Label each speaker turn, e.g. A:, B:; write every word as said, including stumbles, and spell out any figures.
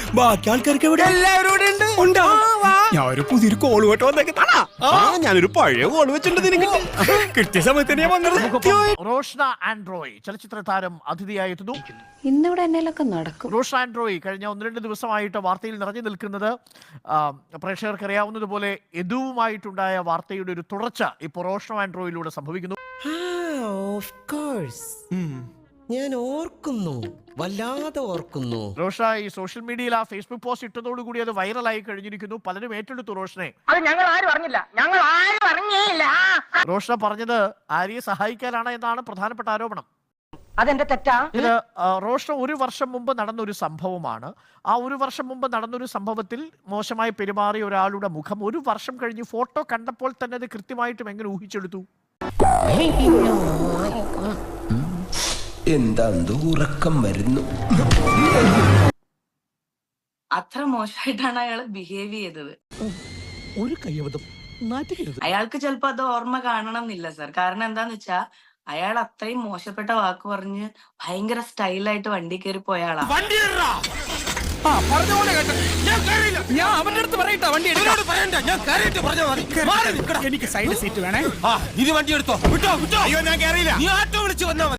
A: ബാക്കി ആൾക്കാർക്ക് എവിടെ?
B: എല്ലാവരും ഇവിടെ ഉണ്ട്.
A: ഉണ്ടാ? ഞാൻ ഒരു പുതിയൊരു കോള് കേട്ടോ വന്നേക്കാ. ഞാനൊരു പഴയ കോള് വെച്ചിട്ടുണ്ട് നിനക്ക്. കിട്ടിയ സമയത്ത് തന്നെ വന്നത്.
C: റോഷ്ന ആൻഡ്രോയ് ചലച്ചിത്ര താരം അതിഥിയായി എത്തുന്നു.
D: ഇന്നിവിടെ എന്നേലൊക്കെ നടക്കും.
C: റോഷ്ന ആൻഡ്രോയ് കഴിഞ്ഞ ഒന്ന് രണ്ട് ദിവസമായിട്ട് വാർത്തയിൽ നിറഞ്ഞു നിൽക്കുന്നത് പ്രേക്ഷകർക്ക് അറിയാവുന്നതുപോലെ യദുവുമായിട്ടുണ്ടായ വാർത്തയുടെ ഒരു തുടർച്ച ഇപ്പോൾ റോഷ്ന ആൻഡ്രോയിലൂടെ സംഭവിക്കുന്നു.
B: ഞാൻ ഓർക്കുന്നു, വല്ലാതെ ഓർക്കുന്നു.
C: റോഷ ഈ സോഷ്യൽ മീഡിയയിൽ ആ ഫേസ്ബുക്ക് പോസ്റ്റ് ഇട്ടതോടുകൂടി അത് വൈറലായി കഴിഞ്ഞിരിക്കുന്നു. പലരും ഏറ്റെടുത്തു റോഷനെ.
E: അത് ഞങ്ങൾ ആരും അറിഞ്ഞില്ല, ഞങ്ങൾ ആരും അറിഞ്ഞില്ല.
C: റോഷ പറഞ്ഞത് ആര്യയെ സഹായിക്കാനാണ് എന്നാണ് പ്രധാനപ്പെട്ട ആരോപണം.
E: അതെന്റെ തെറ്റാ.
C: ഇത് റോഷ ഒരു വർഷം മുമ്പ് നടന്നൊരു സംഭവമാണ്. ആ ഒരു വർഷം മുമ്പ് നടന്നൊരു സംഭവത്തിൽ മോശമായി പെരുമാറിയ ഒരാളുടെ മുഖം ഒരു വർഷം കഴിഞ്ഞ് ഫോട്ടോ കണ്ടപ്പോൾ തന്നെ അത് കൃത്യമായിട്ടും എങ്ങനെ ഊഹിച്ചെടുത്തു?
F: എന്താ ഉറക്കം വരുന്നു.
G: അത്ര മോശമായിട്ടാണ് അയാൾ ബിഹേവ് ചെയ്തത്.
B: ഒരു കയ്യബദ്ധം നാട്ടിക്കരുത്.
G: അയാൾക്ക് ചിലപ്പോ അത് ഓർമ്മ കാണണം എന്നില്ല സർ. കാരണം എന്താന്ന് വെച്ചാ അയാൾ അത്രയും മോശപ്പെട്ട വാക്ക് പറഞ്ഞ് ഭയങ്കര സ്റ്റൈലായിട്ട് വണ്ടി കയറി പോയ ആളാ.
A: എനിക്ക് സൈഡ് സീറ്റ് വേണേ.
B: ഇത് വണ്ടി എടുത്തോ. വിട്ടോ വിട്ടോ. അയ്യോ ഞാൻ കയറിയില്ല. നീ ആട്ടോ വിളിച്ചു വന്നാ